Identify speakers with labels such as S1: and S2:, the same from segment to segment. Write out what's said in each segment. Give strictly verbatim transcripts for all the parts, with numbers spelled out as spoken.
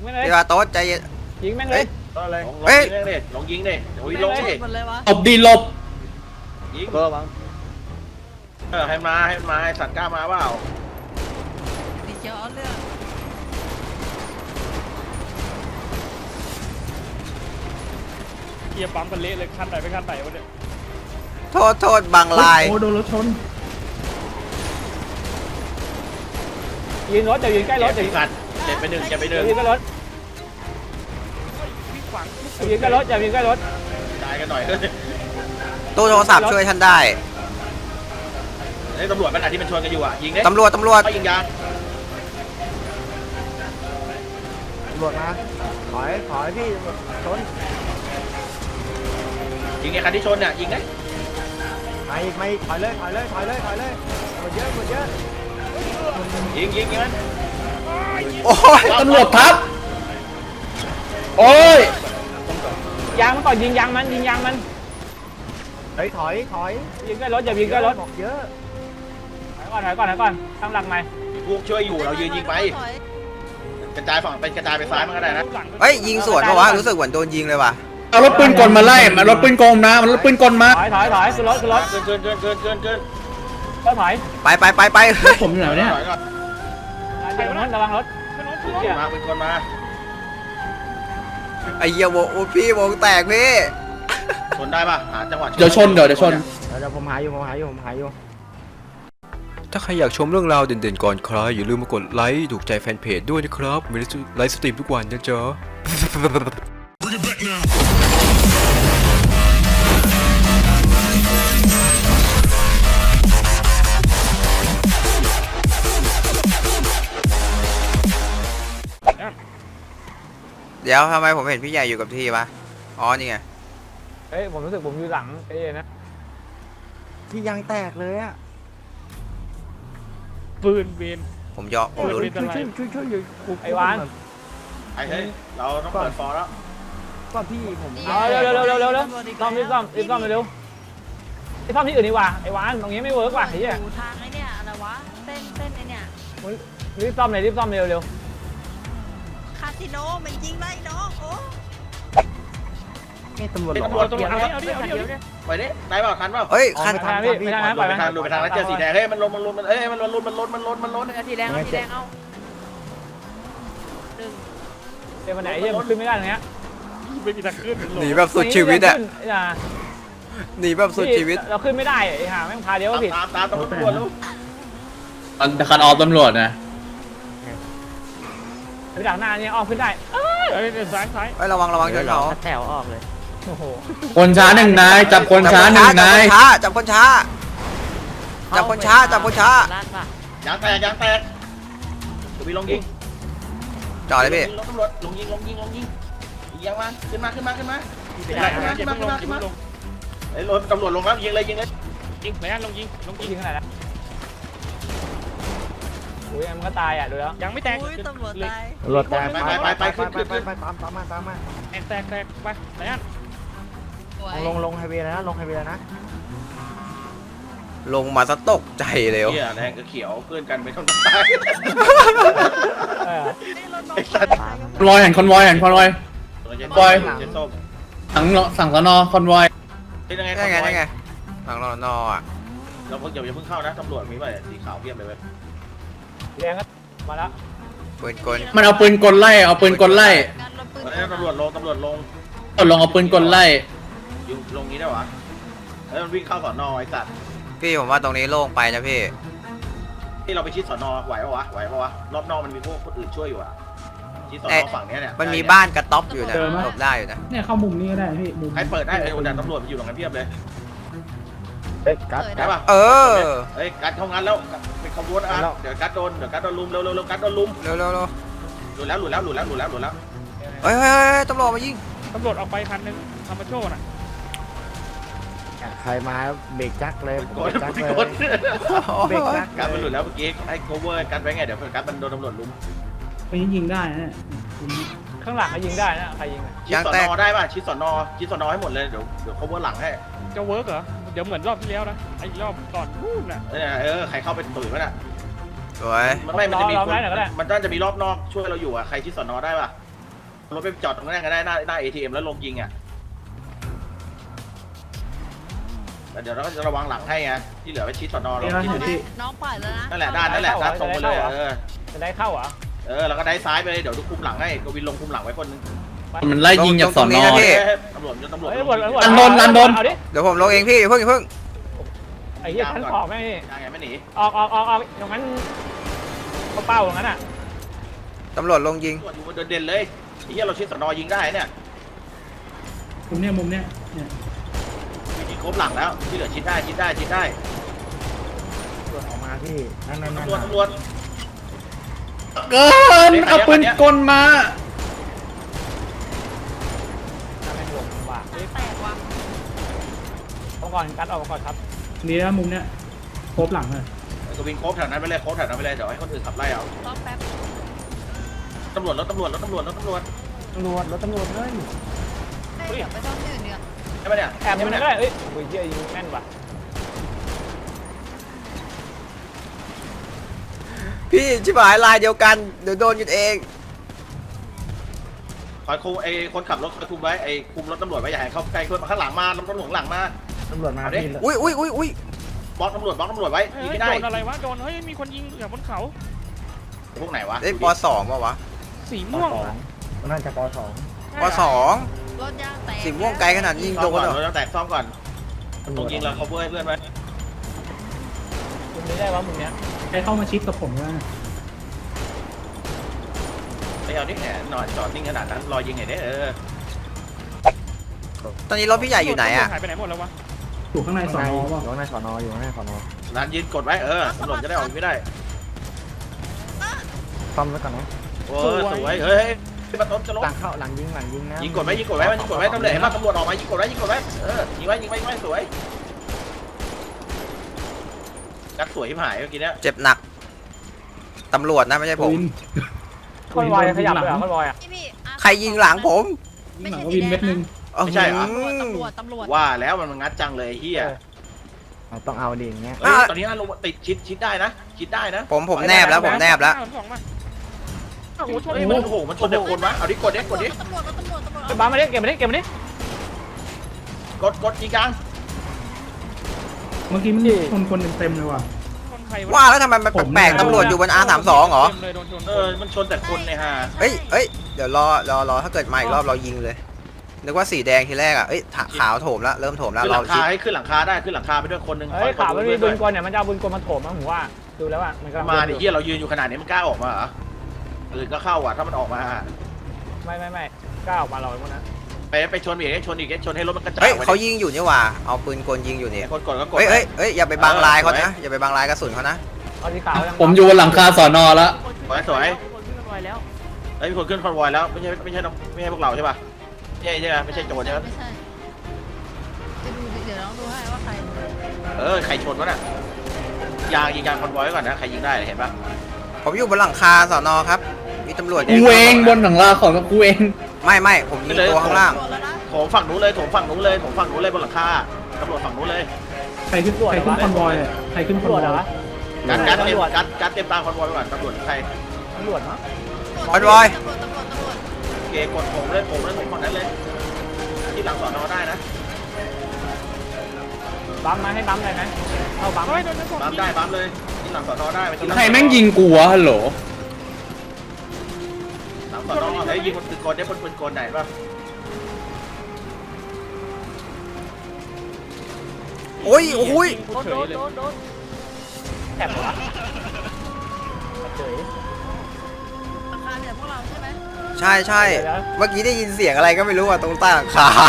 S1: ม่งเลย
S2: พี่ว่าโต๊ดใจเย็น
S1: ยิงแม่งเลย
S3: ก็เลย
S2: เฮ้ย
S3: ลองยิงดิลองยิงดิโอ้ยลงดิ
S4: หลบดีหลบ
S3: ยิง
S5: เบอร์มั้ง
S3: เออให้มาให้มาให้สัตว์กล้ามาเปล่า
S4: ดีเจ้าเอาเรื่อง
S1: เกียร์ปั๊มกันเละเลยคันไหนไปคันไหนวะเนี่ย
S2: โทษโทษบางลาย
S5: โอ้โดนรถชน
S1: ยืนรถจะยืนใกล้รถจะ
S3: เจ็บ
S1: ยืน
S3: สัตว์เจ็บไปหนึ่งเจ็บไปหนึ่ง
S1: ยืนใกล้รถยืนใกล้รถจะยืนใกล้รถ
S3: ตายกันหน่อยเฮ้ย
S2: ตู้โทรศัพท์ช่วยท่านได้
S3: ไอ้ตำรวจมันอะที่มันชนกันอยู่อ่ะยิงดิ
S2: ตำรวจตำรวจ
S3: ไม่ยิงยาง
S5: ตำรวจมาถอยถอยพี่ตำรวจชน
S3: ยิงไอ้คันที่ชนเนี่ยยิงดิ
S5: มาอีกมาอีกถอยเลยถอยเลยถอยเลยถอยเลยหมดเยอะหมดเยอะ
S3: ยิงยิงยิงมัน
S2: โอ้ย
S4: ตำรวจทับโอ้ย
S1: ยางมันก่อนยิงยางมันยิงยางมัน
S5: เฮ้ยถอยถอย
S1: ยิงใกล้รถอย่ายิงใกล้รถ
S5: บอกเยอะ
S1: ถอยก่อนถอยก่อนถอยก่อนตั้งหลักใหม่
S3: พวกช่วยอยู่เรายืนยิงไปกระจายฝั่งเป็นกระจายไปซ้ายมันก็ได้นะ
S2: เฮ้ยยิงสวนปะวะรู้สึกเหมือนโดนยิงเลยว่ะ
S4: เอารถปืนกลมาไล่มารถปืนกลนะมันรถปืนกลมา
S1: ถอยถอยถอยขึ้นรถขึ้นรถ
S3: เกินเกินเกินเกินเกินเกิน
S1: ก็ถอย
S2: ไปไปไปไป
S4: ผมอยู่ไหนเนี่ย
S3: ถอยก่อน
S1: เดี๋ยวรถระวังรถ
S3: เป็นคนมาเป็นคนมา
S2: ไอ้เหี้ยวงโอ้พี่วงแตกพี่
S3: ชนได้ป่ะหาจังหวะ
S4: เดี๋ยวชนเดี๋ยวเดี๋ยวชน
S5: เดี๋ยวผมหาอยู่ผมหาอยู่ผมหาอยู่
S2: ถ้าใครอยากชมเรื่องราวเด่นๆก่อนใครอย่าลืมมากดไลค์ถูกใจแฟนเพจด้วยนะครับมีไลฟ์สตรีมทุกวันนะจ๊ะเดี๋ยวทำไมผมเห็นพี่ใหญ่อยู่กับที่ปะอ๋อนี่ไง
S1: เฮ้ยผมรู้สึกผมอยู่หลังเอ้นะ
S5: ที่ยางแตกเลยอ่ะ
S1: ปืนเบน
S2: ผมยอมผม
S5: ช่วย
S2: รู้
S5: ช่วยช่วยช่วยอยู่
S1: ไอ้วาน
S3: ไอ้เฮ้ยเราต้องเปิดฟอร์แล้ว
S5: ก็พี่ผม
S1: เอาเร็วเร็วเร็วเร็วเร็วเร็วซ่อมรีบซ่อมรีบซ่อมเร็วไอ้ซ่อมที่อื่นดีกว่าไอ้วานตรงนี้ไม่เวิร์กว่ะไอ้เหี้ย
S4: อยู่ทางไอ้เนี่ยอะไรวะเส้นเส้นไอ้เนี่ย
S1: รีบซ่อมเลยรีบซ่อมเร็วเร็ว
S4: คาสิโนมันยิงได้น้องโอ้
S5: นี่ตำรวจ
S3: เป็น
S5: หรอ
S3: ตำรวจตำรวจเอาเอาดิเอาดิเอาดิไปดิได้เปล่าทันเปล่า
S2: เฮ้ย
S5: อ๋อ
S2: คัน
S5: ไม่ทัน
S1: พี่ไม่ได้นะปล่อย
S3: ไป
S1: มัน
S3: ทางดูไปทางนั้นเจอสีแดงเฮ้ยมันลนมันลนมันเอ้ยมันลนมันลนมันลนมันลน
S4: เอาทีแดงเอาทีแดงเอาหนึ่ง
S1: เดี๋ยววันไหนเหี้ยมันขึ้นไม่ได้ตรงเนี้ย
S6: ไม่มีทางขึ้น
S2: หนีแบบสุดชีวิตอะ
S1: อ่ะ
S2: หนีแบบสุดชีวิต
S1: เราขึ้นไม่ได้ไอ้ห่าแม่งพาเดียวก็ผิด
S3: ตามตามตำรวจลูก
S4: คันออฟตำรวจนะ
S1: ไปดักหน้าเนี่ยอ้อมขึ้นได้
S6: เอ้ยซ้ายซ้าย
S2: เฮ้ยระวังระวังชนเขา
S5: แถวออกเลย
S1: โอ้โห
S4: คนช้าหนึ่งนายจับคนช้าหนึ่งนาย
S2: จับคนช้าจับคนช้าจับคนช้า
S4: ลาดป่ะ
S3: ยางแตกยางแตกตัวพี่ลงยิง
S2: จอดเลยพี่
S3: ลงตำรวจลงยิงลงยิงลงยิงยิงมาขึ้นมาขึ้นมาขึ้นมา
S6: ไม่ได้ไม่ได้อย่าเพิ่งลงอย่าเพิ่งลง
S3: ไอ้รถตำรวจลงแล้วยิงเลยยิงเลย
S6: ยิงไหนลงยิงลงยิง
S1: ยิงขนาดนั้นโอ้ยมันก็ตายอ่ะดูแล้ว
S6: ยังไม่แตก
S4: อุ้ยตำรวจตาย
S5: ตำรวจแตกไปไปไปขึ้นขึ้นไปไปตามตามมาตามมา
S6: แตกแตกแตกไปไหนอ่ะ
S5: ลงลงไฮเวย์แล้วนะลงไฮเวย์แล้วนะ
S2: ลงมาซะตกใจเลย
S3: เหี้ยแดงกับเขียวเพื่อนกันไม่ต้องตาย
S1: เออ
S4: นี่รถน้องตายคอนวอยเห็นคอนวอยเห็นคอนวอย
S3: บอยเจส้ม
S4: สั่งสั่งสนอคอนวอย
S3: เป็นยังไง
S2: ได้ไงได้ไงหลังรอนออ่ะ
S3: เราเพิ่งอย่าเพิ่งเข้านะตำรวจมีป่ะสีขาวเพียบเลยเว้ย
S1: แดงก็มาแล้ว
S2: ปืนกล
S4: มันเอาปืนกลไล่เอาปืนกลไล่การรถปืน
S3: ตอนนี้ตำรวจลงตำรวจลง
S4: กดลงเอาปืนกลไล่
S3: อยู่ลงนี้ได้หรอแล้วมันวิ่งเข้าสอนอไอ้สัตว์
S2: พี่ผมว่าตรงนี้โล่งไปนะพี่
S3: ที่เราไปชิดสอนอไหวปะวะไหวปะวะรอบนอกมันมีพวกคนอื่นช่วยอยู่อ่ะชิดสอนอฝั่งเนี้ยเนี่ย
S2: มันมีบ้านกระต๊อบอยู่นะหลบได้อยู่นะ
S7: เนี่ยเข้ามุมนี้ก็ได้พี่มุม
S3: ใครเปิดได้ไอ้คนดันตำรวจมันอยู่ตรงนั้นเพียบเลย
S5: เฮ้ยกัด
S3: ได้ปะ
S2: เออ
S3: เฮ้ยกัดเข้างานแล้วเป็นขบวนอ่ะเดี๋ยวกัดโดนเดี๋ยวกัดโดนลุมเร็วเร็วเร็วกัดโดนลุม
S2: เร็วเร็วเร็ว
S3: หลุดแล้วหลุดแล้วหลุดแล้วหลุดแล้วหลุดแล้ว
S2: เฮ้ยเฮ้ยเฮ้ยตำรวจมายิง
S6: ตำรวจออกไปพันหนึ่งทำมาโชว์น่ะ
S5: ใครมาเบรกจักเลย
S3: ก
S5: เบร
S3: ด
S5: กจัก
S3: ก
S5: เลย
S3: ด
S5: เบรกจัก
S3: กัดมันหลุดแล้วเมื่อกี้ให้ cover กัดไว้ไงเดี๋ยวกัดมันโดนตำรวจลุม
S7: ไปยิงได้นะเนี่ย
S1: ข้างหลังก็ยิงได้นะใครยิง
S3: ชิดสอนอได้ป่ะชิดสอนอชิดสอนอให้หมดเลยเดี๋ยวเดี๋ยว cover หลังให้
S6: จะเวิร์กเหรอเดี๋ยวเหมือนรอบที่แล้วนะไอ้รอบก่อนนู่นน่ะ
S3: เออเออใครเข้าไปตุ๋ยมันอ่ะ
S2: สวย
S3: มันไม่มันจะมีคนมันน่าจะมีรอบนอกช่วยเราอยู่อ่ะใครชิดสอนอได้ป่ะรถไปจอดตรงนั้นก็ได้หน้าหน้าเอทีเอ็มแล้วลงยิงอ่ะแต่เดี๋ยวเราก็จะระวังหลังให้ไงที่เหลือไปชิดสอนอเรา
S7: เดี๋ยวเรา
S3: ชิด
S7: เห็น
S3: ดูดิ
S7: พี่
S4: น้องปล่อยแล้วนะ
S3: นั่นแหละด้านนั่นแหละด้านตรงไปเลยเออ
S1: จะได้เข้าเหรอ
S3: เออแล้วก็ได้ซ้ายไปเลยเดี๋ยวดูคุมหลังให้กวินลงคุมหลังไว้คนนึง
S8: มันไล่ยิงจากสอนอ
S2: พี่
S3: ตำรวจตำรวจ
S1: เฮ้ยตำรวจตำรวจ
S6: อันโดนอันโดน
S1: เอาดิ
S2: เดี๋ยวผมลงเองพี่เพิ่งเพิ่ง
S1: ไอ้เหี้ยชั้นขอบแม่งนี่
S3: ยังไงไม่หนี
S1: ออกออกออกออกอย่างนั้นเขาเป้าอย่างนั้นอ่ะ
S2: ตำรวจลงยิง
S3: ตำรวจอยู่บนเด่นๆเลยไอ้เหี้ยเราชิดสอนอยิงได้เนี่ย
S7: มุมเนี้ยมุมเนี้ยเนี่ย
S3: มียิงครบหลังแล้วที่เหลือชิดได้ชิดได้ชิดได้
S5: ตำรวจออกมาพี่นั่นนั่นนั่น
S3: ตำรวจตำรวจ
S8: เกินเอาปืนกลมา
S1: น่าแม่งลงว่ะ
S4: แตกว่ะ
S1: ออกก่อนกัดออกก่อนครับ
S7: นี่นะมุมเนี้ยโครบหลังเลย
S3: กวินครบแถวนั้นไปเลยครบแถวนั้นไปเลยเดี๋ยวให้คนอื่นขับไล่เอา
S4: รอแป๊บ
S3: ตำรวจรถตำรวจรถตำรวจรถตำรวจ
S1: ตำรวจรถตำรวจเลย
S4: เฮ้ยเดี๋ยวไปซ่อมที่อื่นเนีกว่ย
S3: ใช่ไหมเนี่ย
S1: แอบยังไม่ได้เอ้ยโอ้ยเหี้ยยิงแม่นว่ะ
S2: พี่ชิบหายลายเดียวกันเดี๋ยวโดนหยุดเอง
S3: คอยคุมไอ้คนขับรถคอยคุมไว้ไอ้คุมรถตำรวจไว้อย่าให้เขาใกล้เพื่อนมาข้างหลังมาตำรวจหลังมา
S5: ตำรวจมา
S3: เอาดิ
S5: พี่
S2: อุ้ยอุ้ยอุ้ยอุ้ย
S3: บล็อกตำรวจบล็อกตำรวจไว้
S6: เฮ้
S3: ยิง
S6: ย
S3: ไม่
S6: โด
S3: ได้
S6: นอะไรวะโดนเฮ้ยมีคนยิงอย่างบนเขา
S3: พวกไหนวะ
S2: เล่นปสองป่าวะ
S6: สีม่วง
S5: น่าจะปสอง
S2: ปสอง
S4: รถยางแตก
S2: สีม่วงไกลขนาดยิง
S3: ซ่
S2: โด
S3: อมก่อน
S2: นเหรอ
S3: เราต้องแตกซ่อมก่อนตรงยิงเรา cover ให้เพื่อนไว้
S1: มุมนี้ได้วะมุมเนี้ย
S7: ใครเข้ามาชิดกับผมว่า
S3: ไปเอาดิแหนหน่อยจอดนิ่งขนาดนั้นรอยิงไงเนี่ยเออ
S2: ตอนนี้รถพี่ใหญ่อยู่ไหนอะ
S6: หายไปไหนหมดแล้ววะ
S7: อยู่ข้างในสอนอ
S5: อยู่
S7: ป่ะ
S5: ข้างในสอนออยู่ข้างในสอนอ
S3: ร้านยืนกดไว้เออตำรวจจะได้ออกไม่ได้
S5: ซ่อมไว้ก่อนนะ
S3: โอ้ยสวยเฮ้ยมาต้นจะลบ
S5: หลังเข้าหลังยิงหลังยิงนะ
S3: ยิงกดไว้ยิงกดไว้ยิงกดไว้ตำรวจเห็นป่ะตำรวจออกมายิงกดไว้ยิงกดไว้เออยิงไว้ยิงไว้ยิงไว้สวยกัดสวยที่หายเมื่อกี้เนี้ย
S2: เจ็บหนักตำรวจนะไม่ใช่ผม
S7: วิน
S1: คอนวอยขยับเลยเหรอคอนวอยอ่ะ
S4: พี่พี่อ่ะ
S2: ใครยิงหลังผม
S7: ยิงหลังก็วินเม็ดหนึง
S3: ไม่ใช่เหรอ
S4: ตำรวจตำรวจตำรวจ
S3: ว่าแล้วมันงัดจังเลยเฮีย
S5: เราต้องเอาดิอย่างเงี้ย
S3: เฮ้ยตอนนี้ลงติดชิดชิดได้นะชิดได้นะ
S2: ผมผมแนบแล้วผมแนบแล้ว
S6: สองมาโอ้โหชน
S3: เฮ้ยมันโอ้โหมันชนแต่คนวะเอาดิกดดิกดดิ
S4: ตำรวจตำรวจตำรวจ
S1: ไปบ้ามาดิเก็บมาดิเก็บมาดิ
S3: กดกดยิงกลาง
S7: เมื่อกี้มันชนคนเต็มๆเลยว่ะ
S6: ชนใคร
S2: ว่าแล้วทำไมมันแปลกๆตำรวจอยู่บน อาร์ สามสิบสอง เหรอ
S6: ต็มเลยโดนชน
S3: เออมันชนแต่คนเนี่ยฮะ
S2: เอ้ยเอ้ยเดี๋ยวรอรอรอถ้าเกิดมาอีกรอบเรายิงเลยนึกว่าสีแดงทีแรกอ่ะเอ้ยถขาวโถมแล้วเริ่มโถมแล้ว
S3: ขึ้นห
S2: เรา
S3: ลัง
S2: ชิ
S3: คา
S2: ด
S3: ให้ขึ้นหลังคาได้ขึ้นหลังคาไปด้วยคนหนึ่ง
S1: เฮ้ยข่าวมันมีปืนกลเนี่ยมันจะเอาปืนกลมาโถมมั้งผมว่าดูแล้วอ่ะมันกำลัง
S3: มาดิเฮียเรายืนอยู่ขนาดนี้มันกล้าออกมาเหรออื่นก็เข้าอ่ะถ้ามันออกมา
S1: ไม่ไม่ไม่กล้าออกมาเราไอ้พวกนั้น
S3: ไปไปชนอีกชนอีกชนให้รถมันกระจาย
S2: เฮ้ยเขายิงอยู่นี่หว่าเอาปืนกลยิงอยู่นี่
S3: คนกดก็กด
S2: เฮ้ยเฮ้ยเฮ้ยอย่าไปบังลายเขานะอย่าไปบังลายกระสุนเขานะ
S1: เอาสีขาวยัง
S8: ผมอยู่บนหลังคาสอนอแล้ว
S3: สวยสวย
S6: คนขึ้นไปแล้ว
S3: เฮ้ยมีคนขึ้นคอนวอยแล้วไม่ใช่ไม่ใช่ไม่ใช่พวกเราใช่ป่ะไม่ใช่ใช่ไหมไม่ใช่โจรใช่ไหม
S4: ไม่ใช่จะดูดิเดี๋ยวน้องดูให้ว่าใคร
S3: เออใครชนวะน่ะยางยิงยางคอนวอยไว้ก่อนนะใครยิงได้เห็นป่ะ
S2: ผมอยู่บนหลังคาสอนอครับมีตำรวจ
S8: กูเองบนหลังคาของกูเอง
S2: ไม่ไม่ผมยิงตัวข้างล่าง
S4: ตำรวจแล้วนะ
S3: โถมฝั่งนู้นเลยโถมฝั่งนู้นเลยโถมฝั่งนู้นเลยบนหลังคาตำรวจฝั่งนู้นเลย
S7: ใครขึ้นใครขึ้นคอนวอยอะใครขึ้นค
S1: ตำ
S7: อน
S1: รวจ
S7: ว
S1: เหร
S7: อ
S1: อย
S3: การการเต็มการการเต็มตามคอนวอยไปก่อนตำรวจใคร
S1: ตำรวจมั้ง
S2: คอนวอย
S4: ตำรวจตำรวจตำรวจ
S3: โอเคกดผมเลยผมเลยผมฝั่งนั้นเลยที่หลังสอนอได้นะ
S1: บัมมาให้บัมได้ไหมเอาบัม
S6: เฮ้ยโดนชน
S3: บัมได้บัมเลยที่หลังสอนอได้ไปที่หลั
S8: ใครแม่งยิงกูวะฮัลโหล
S3: หลังสอนอเฮ้ยยิงบนปืนกลได้บนปืนกลไหนป่ะ
S2: โอ้ยโอ้ย
S6: โดนโดนโดนโดน
S1: แถบเหรอวะเฉย
S4: ราคาเนี่ยพวกเราใช่ไหม
S2: ใช่ใช่เมื่อกี้ได้ยินเสียงอะไรก็ไม่รู้อ่ะตรงใต้หลังคา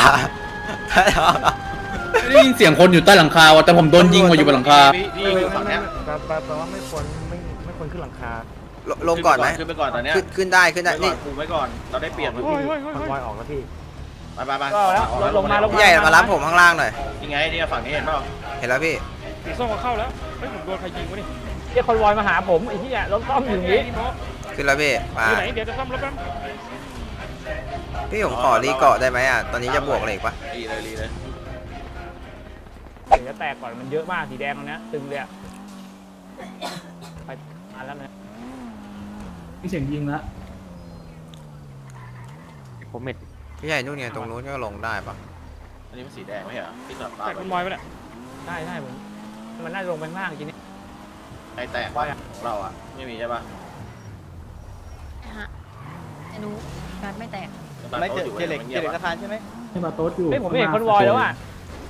S8: ไม่ได้ยินเสียงคนอยู่ใต้หลังคาวะแต่ผมโดนยิงมาอยู่บนหลังคา
S3: พี่พี่อยู่ฝั่งเนี้ย
S5: แปลแปลว่าไม่ควรไม่ไม่ควรขึ้นหลังคา
S2: ลลงก่อนไหม
S3: ขึ้นไปก่อนตอนเนี้ย
S2: ขึ้นขึ้นได้ขึ้นได้
S3: นี่
S2: นี่
S3: คุมไว้ก่อนเราได้เปรียบ
S6: เฮ้ยเฮ้ยเฮ้ย
S5: คอน
S6: เฮ้
S5: วอย ยออกแล้วพี่
S3: ไปไปไป
S1: ก็แล้วรถลงมาลง
S2: พี่ใหญ่มารับผมข้างล่างหน่อย
S3: ยังไงนี่ฝั่งนี้เห็นเปล่า
S2: เห็นแล้วพี่
S6: สีส้มก็เข้าแล้วเฮ้ยผมโดนใครยิงวะนี่
S1: เรียกคอนวอยมาหาผมไอ้ที่รถต้อมอยู่นี้
S6: นี่โม
S2: ขึ้นแล้วพี่มา
S6: อยู่ไหนเดี๋ยวจะซ่อมรถแป๊บ
S2: พี่ผมขอรีเกาะได้ไหมอ่ะตอนนี้จะบวกเหล็กปะ
S3: รีเลยรีเลย
S1: เดี๋ยวจะแตกก่อนมันเยอะมากสีแดงตรงนี้ตึงเลยอะไปมาแล้วนะ
S7: มีเสียงยิงแล้ว
S5: ผมเม็ด
S2: พี่ใหญ่นู่นไงตรงนู้นก็ลงได้ปะ
S3: อันนี้มันสีแดงไม่ใช่เหรอที่สลับตา
S6: แต่คอนวอยไปเนี่ย
S1: ใช่ใช่ผมมันน่าจะลงไปข้างล่างจริงนี่
S3: ไอแตกว่าของเราอ่ะไม่มีใช่ปะ
S4: นะฮะไอ้หนูการไม่แตก
S5: ไม่เจอเจเล็กเจเล็กสะพานใช่ไหม
S7: ให้มาโต๊ดอยู่
S1: เฮ้ยผมไม่เห็นคอนวอยแล้วอ่ะ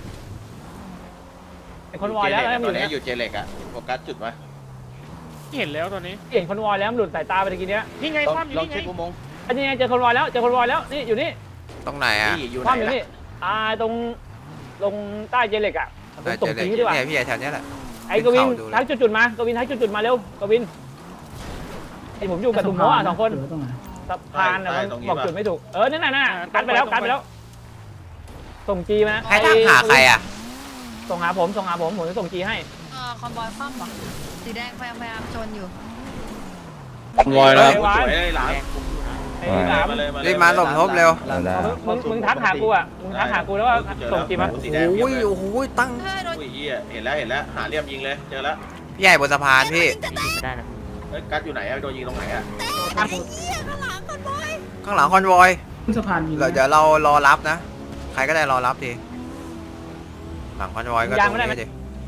S1: ไอ้คอนวอยแล้วแล้วมัน
S3: ต
S1: อ
S3: อน
S1: ยู่
S3: นี้
S1: เนี่ย
S3: อยู่เจเล็กอ่ะโฟกัสจุดไว้
S6: เห็นแล้วตอนนี้
S1: เห็นคอนวอยแล้วมันหลุดสายตาไปตะกี้เนี้ย
S6: นี่ไง
S5: ลอง
S6: ความอยู่
S5: ลอง
S6: นี่ไง
S5: เช็คอุโมงค์
S1: อันนี้ไงเจอคอนวอยแล้วเจอคอนวอยแล้วนี่อยู่นี่
S2: ตรงไหนอ่ะ
S3: ที่อยู่
S1: ค
S3: ไห
S1: วามอยู่
S3: น
S1: นี่
S3: ล่ะ
S1: อ่าตรงลงใต้เจเล็กอ่ะผม
S2: แต่
S1: ส่ง
S2: เจอเลย
S1: จีดีกว่า
S2: เนี่ยพี่ใหญ่แถวเนี้ยแหละ
S1: ไอ้กวิน
S2: ขึ้นเขาดูเลย
S1: ทักจุดๆมากวินทักจุดๆมาเร็วกวินไอ้ผมอยู่กับตุ่มโมอ่ะสองคน
S7: เหลืตรงไหน
S1: สะพานอ่ะมันบอกจุดไม่ถูกเออนั่นน่ะน่ะกันไปแล้วกันไปแล้ว ส่งจีมา
S2: ให้ทางหาใครอ่ะ
S1: ส่งหาผมส่งหาผมผมจะส่งจีให้
S4: เออคอนบอยคว่ำเหรอสีแดงพยายามพยายามชนอยู่
S8: คอนวอยแล้ว
S3: สวยเลยหลาน
S1: ไอ้หลาม
S3: มาเลยมา
S2: รีบมาหลบทบเร็ว
S1: มึงมึงทักหากูอ่ะมึงทักหากูแล้วว่าส่งจีมา
S3: สีแดง
S2: โอ้ยโอ้โหตั้ง
S4: เฮ้ยโดน
S3: อุ้ยเหี้ยเห็นแล้วเห็นแล้วหาเหลี่ยมยิงเลยเจอแล้ว
S2: พี่ใหญ่บนสะพานพี่
S3: เฮ้ยกัดอยู่ไหนอะโดนยิงตรงไหนอะ
S4: ไอ้เหี้ยข้างหลังคอนบอย
S2: ข้างหลังคอนวอย
S7: ขึ้นสะพานมีไหม
S2: เดี๋ยวเรารอรับนะ ใครก็ได้รอรับทีหลังคอนวอยก็ตรงนี้ดิ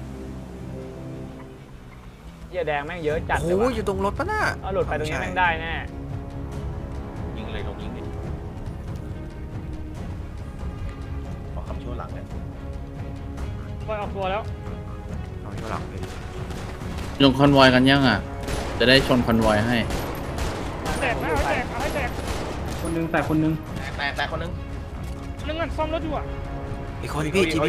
S1: เหี้ยแดงแม่งเยอะจัดเลย
S2: โอ้ย
S1: ว่ะ
S2: อยู่ตรงรถปะน่ะ
S1: เอาหลุดไปตรงนี้แม่งได้แน่
S3: ยิงเลยลงยิงดิขอคำชั่วหลังเนี่ย
S6: คอยออกตัวแล้ว
S2: เอาอยู่หลังพี่
S8: ลงคอนวอยกันยังอ่ะ จะได้ชนคอนวอยให้
S6: แตกนะเอาให้แตกเอาให้แตก
S7: คนหนึงแต่คนหนึง
S3: แตกแตกคนนึง
S6: นึงอ่ะซ่อมรถอยู่อ่ะ
S2: อีกคนพี่จีบี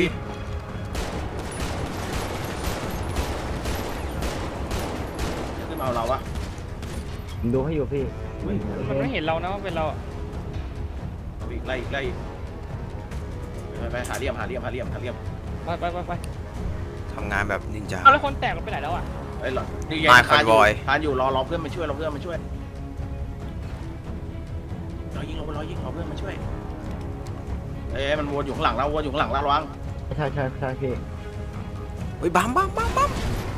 S3: ขึ้นมาเอาเราวะ
S5: ผมดูให้อยู่พี่
S6: มันไม่เห็นเรานะว่าเป็นเราอะ
S3: อีกไล่อีกไล่อีกไปไปหาเหลี่ยมหาเหลี่ยมหาเหลี่ยมหาเหลี่ยม
S6: ไปไปไปไป
S2: ทำงานแบบนินจา
S6: เอาแล้วคนแตกเราไปไหนแล้วอ่ะ
S3: เฮ้ยหรอนี่
S2: มา
S3: คานอยู่
S2: convoy
S3: คานอยู่รอรอเพื่อนมาช่วยรอเพื่อนมาช่วยรอยิงรอรอยิงรอเพื่อนมาช่วยเอ้ยมันวนอยู่ข้างหลังเราวนอยู่ข้างหลังเราระวัง
S5: ใช่ใช่ใช่พี่
S2: เฮ้ยบัมบัมบัมบัม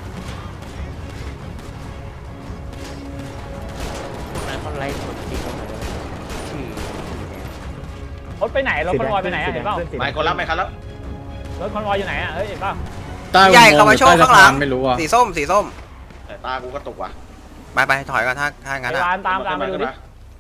S1: รถไปไหนรถคอนวอยไปไหนอ่ะเห็นเปล่า
S3: ไม่คนรับไม่คันแล้ว
S1: รถคอนวอยอยู่ไหนอ่ะเฮ้ยเห็นเปล่า
S8: ใต้อุโมงค์
S2: ใหญ่เข้ามาโชว์
S8: ใต้
S2: ข้างหลัง
S8: สะพนไม่รู้อ่ะ
S2: สีส้มสีส้ม
S3: แต่ตากูก็ตกว่ะ
S2: ไปไปถอยก่อนถ้าถ้างั้น
S1: ไอ้
S2: อ่ะ
S1: วานตามตามไปดูดิ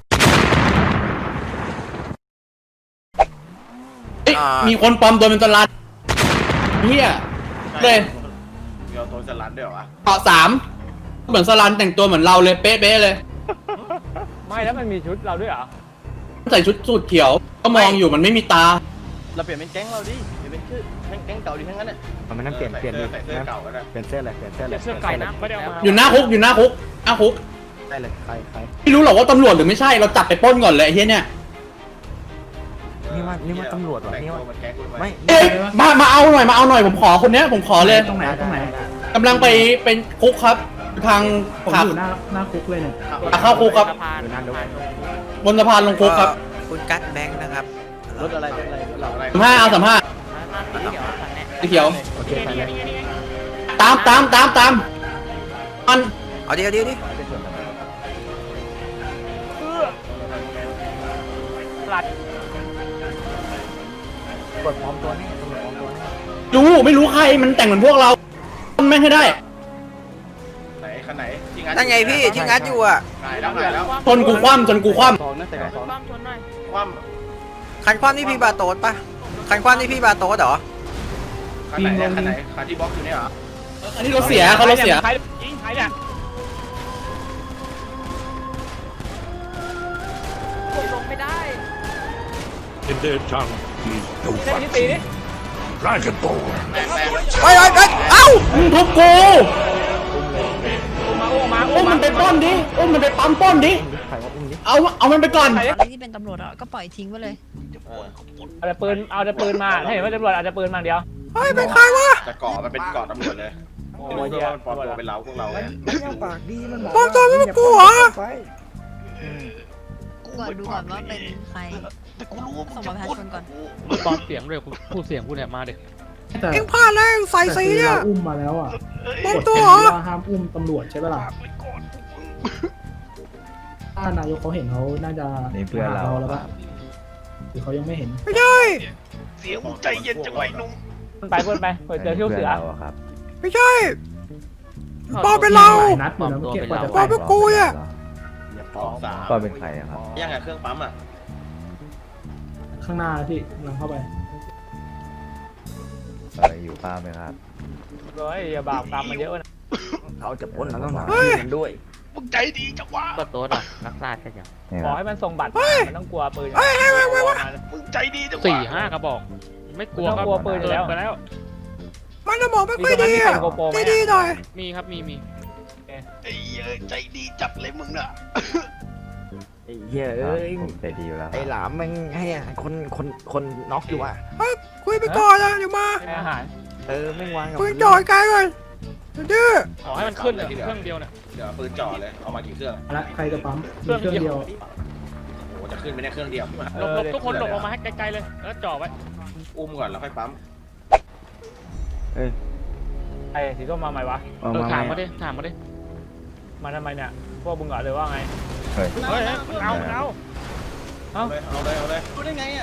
S8: เฮ้ยมีคนปลอมตัวเป็นตลาดเฮีย เลย
S3: มีเอาตัวสลัดด้วยเหรอวะ
S8: เกาะสามเหมือนสลันแต่งตัวเหมือนเราเลยเป๊ะๆเลย
S1: ไม่แล้วมันมีชุดเราด้วยเหรอ
S8: ใส่ชุดสูทเขียว ก็มองอยู่มันไม่มีตา
S5: เราเปลี่ยนเป็นแก๊งเราดิเปลี่ยนเป็นชื่อแก๊งแก๊งเก่าดิทั้งนั้นน่ะมันนั่นเปลี่ยนเปลี่ยนดิ
S3: ใส่เสื้อเก่าก็ได้
S5: เปลี่ยนเสื้อเลยเปลี่ยนเสื้อเลย
S6: เสื้อเก่านะไม่ได้เอามา
S8: อยู่หน้าคุกอยู่หน้าคุกหน้าคุก
S5: ได้เลยใครใคร
S8: ไม่รู้หรอกว่าตำรวจหรือไม่ใช่เราจับไปปล้นก่อนเลยไอ้เฮียเนี่ย
S5: นี่ว่านี่ว่าตำรวจวะนี่ว่า
S3: มันแก๊งกูทำไม
S5: ไม่
S8: เอ้ยมามาเอาหน่อยมาเอาหน่อยผมขอคนเนี้ยผมขอเลย
S7: ตรงไหนตรงไหน
S8: กำลังไปเป็นคุกครับทาง
S7: ผม
S8: ขับ
S7: อยู่หน้าหน้าคุกเลยเนี่ย
S8: เข้าคุกครับ
S5: อยู่นานดู
S8: บนสะพานลงคุกครับ
S2: คุณกัตแบงค์นะครับ
S5: รถอะไรรถอะไรรถเรา
S3: อะไร
S8: สามห้าเอาสามห้าสีเขียว
S5: โอเคไปเลย
S8: ตามตามตามตามมัน
S2: เอาดิเอาดิเอาดิ
S1: หลัด
S5: กดพร้อมตัวนี่ตำรวจพร้อมตัวนี่
S8: รู้ไม่รู้ใครมันแต่งเหมือนพวกเรามันไม่ให้ได้
S3: ไหนคันไหนที่
S2: นั่นไงพี่ที่งัดอยู่อ่ะ
S3: ไหนแล้วไหนแล้ว
S8: ชนกูคว่ำชนกูคว่
S5: สองนะแต่สอง
S6: ความชนหน่อย
S3: คว่
S2: คันควันนี่พี่บาโต๊ดปะคันควันนี่พี่บาโต๊ดเหรอ
S3: ำคันไหนเนี่ยคันไหนคันที่บล็อกอยู่เนี่ยเหรอ
S8: ำอันนี้รถเสียเขารถเสีย
S1: ใครยิงใครเนี่ย
S6: ลงไม่ได้
S9: In their tongue is no
S1: เล่นนี่ตีดิ
S9: Dragonborn.
S3: แตกแตก
S2: ไปไปไปเอ้า
S8: มึงทุบกู
S1: มาโอ้มาโอ้
S8: อุ้ม
S1: มา
S8: มันไปปล้นดิอุ้มมันไปปั๊มปล้นดิ
S5: ใครว่าอุ้มดิ
S8: เอาเอามันไปก่อน
S1: ใคร
S4: ไอ้ที่เป็นตำรวจอ่ะก็ปล่อยทิ้งไปเลย
S1: เอาแต่ปืนเอาแต่ปืนมาให้เห็นว่าตำรวจเอาแต่ปืนมาเดียว
S2: เฮ้ยเป็นใครวะ
S3: แต่ก่อมันเป็นก่อตำรวจเลย
S1: โอ้
S3: ไม่รู้
S1: ย
S3: ด้วย
S1: เหี้ย
S3: ว่ามันปลอมตัวเป็นเราพวกเราไง
S5: ปากดีมัน
S2: ปลอมตัวไม่เป็นกูเหรอ
S4: ก่อนดูก่อนว่าเป็นใครส่งบัตรประชาชนก่อน
S6: ปลอมเสียงด้วยพูดเสียงกูเนี่ยมาเด็ก
S7: แต่
S2: เอ็งพลาดแล้วเอ็งใส่
S7: แต่
S2: สี
S7: คือ
S2: เนี่ย
S7: เราอุ้มมาแล้วอ่ะ
S2: ปลอม
S7: กฎ
S2: ตัว
S7: เป็น
S2: เหรอ
S7: ว่าห้ามอุ้มตำรวจใช่ปะล่ะถ้านายกเขาเห็นเขาน่าจะ
S5: นี่เพื่อนเรา
S7: แล้วปะรือเขายังไม่เห็น
S2: ไม่ใช่
S3: เสียงใจเย็นจังไว้นุ่ม
S1: มันไปเพื่อนไปเปิดเจอเที่ยวเสือ
S2: ไม่ใช่ปอเป็นเรา
S7: หลายนัดอยู่นะเมื่อกี้กว่าจะ
S2: ปอเป็นกูอ่ะ
S3: สองสาม
S5: ก็เป็นใครอะครับ
S3: ยังไงเครื่องปั๊มอ่ะ
S7: ข้างหน้าพี่กำลังเข้าไป
S5: เอออยู่ป้าไหมครับ
S1: เฮ้ยอย่าบาปกรรมมันเยอะนะ
S5: เขาจะพ้นแล้วต้องหา
S2: เฮ้ย
S5: มันด้วย
S3: มึงใจดีจังวะ
S6: ก็โต๊ดอ่ะรักษาแค่ยัง
S5: นี่
S1: ขอ
S5: ครับ
S1: ให้มันส่งบัตร
S2: เฮ้ย
S1: มันต้องกลัวปืน
S2: เฮ้ยเฮ้ยเฮ้ยเฮ้ย
S3: มึงใจดีจังวะ
S6: สี่ห้ากระบอก ไม่กลัว
S1: ต้อง
S6: ครับ
S1: กลัวปืนอยู่แล้ว
S6: เกิไปแล้ว
S2: มันสมองไม่ค่อยดีอ่ะ
S1: มีตรงนั้นมีเป็นโกโปรไหม
S2: ดีๆหน่อย
S6: มีครับมีมี
S3: ไอ้เอ้ยใจดีจัดเลยมึงน่ะ
S5: ไอ้เหี้ยเอ้ยผมใจดีอยู่แล้วไอ้หลามแม่งให้คนคนคนน็อกอยู่อ่ะ
S2: เฮ้ยคุยไปก่อนนะเดี๋ยวมา
S1: ให้อาหาร
S5: เออแม่งวางกับ
S2: ปืนจ่อยไกลก่อนดื้อ
S6: ขอให้มันขึ้นเลยเครื่องเดียวเนี่ย
S3: เดี๋ยวปืนจ่อเลยเอามากี่เครื่อง
S7: และใครจะปั๊ม
S6: เครื่อง
S7: มีเครื่องเดียว
S3: โอ้โหจะขึ้นไปได้เครื่องเดียว
S6: หลบหลบทุกคนหลบออกมาให้ไกลๆเลยแล้วจ่อไว้
S3: อุ้มก่อนแล้วค่อยปั๊ม
S5: เอ้ย
S1: ไอ้สีส้มมาใหม่วะ
S5: เอา
S6: เออ
S5: มา
S6: ถาม
S5: ไหม
S6: มาดิถามมาดิ
S1: มาทำไมเนี่ยพวกมึงเหรอเลยว่าไง
S5: เฮ้ย
S6: เฮ้ยเฮ้ยมันเอามันเอา
S1: เอ้า
S3: เอาเลยเอาเลย
S1: เออรู้ได้ไง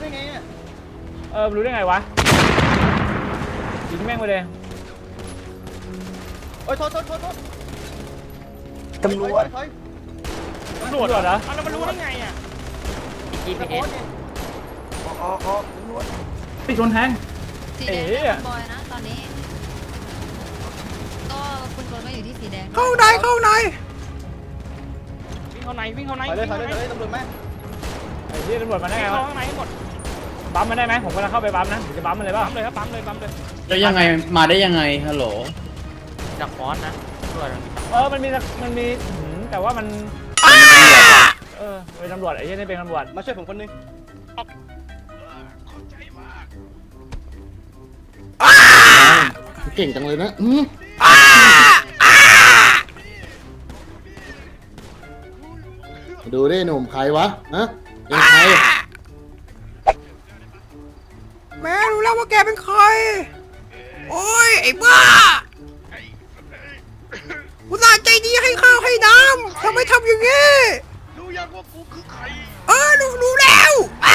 S1: วะยิงแม่งไปเลย
S5: ตำรวจ
S6: ตำรวจ
S1: ตำรวจเหรอ
S6: เอาแล้วมันรู้ได้ไงอ่ะ จี พี เอส
S7: พี่ชนแทง
S4: สีแดงเนี่ยคุณบอยนะตอนนี้ ก็คุณบอยก็อยู่ที่สีแดง
S2: เข้าในเข้าใน
S6: วิ่งเข้าในวิ่งเข้าใน
S3: ไปเลย
S6: วิ่ง
S3: ไป
S6: เข้า
S3: เลย
S6: ใน
S3: ตำรวจแม่
S1: ไอ้ที่ตำรวจมาได้
S6: วิ่
S1: ไง
S6: ง
S1: วะ
S6: เข้าข้างในให้หมด
S1: บัมมันได้ไหมผมกำลังเข้าไปบัมนะผมจะบัมมันเลยเปล่า
S6: ปั๊มเลยครับปั๊มเลยปั๊มเลย
S8: แล้วยังไงมาได้ยังไงฮัลโหล
S6: จากฟอนต์นะตำรวจ
S1: เออมันมีมันมีหืมแต่ว่ามันเออเป็นตำรวจไอ้ที่นี่เป็นตำรวจ
S3: มาช่วยผมคนนึง
S8: เก่งจังเลยนะอืมดูได้หนุ่มใครวะฮะเป็นใคร
S2: แม่รู้แล้วว่าแกเป็นใคร โอ้ยไอ้บ้าอุตส่าห์ใจดีให้ข้าวให้น้ำทำไมทำอย่างงี้
S3: รู้ยังว่ากูคือใคร
S2: เออรู้รู้แล้วอ่ะ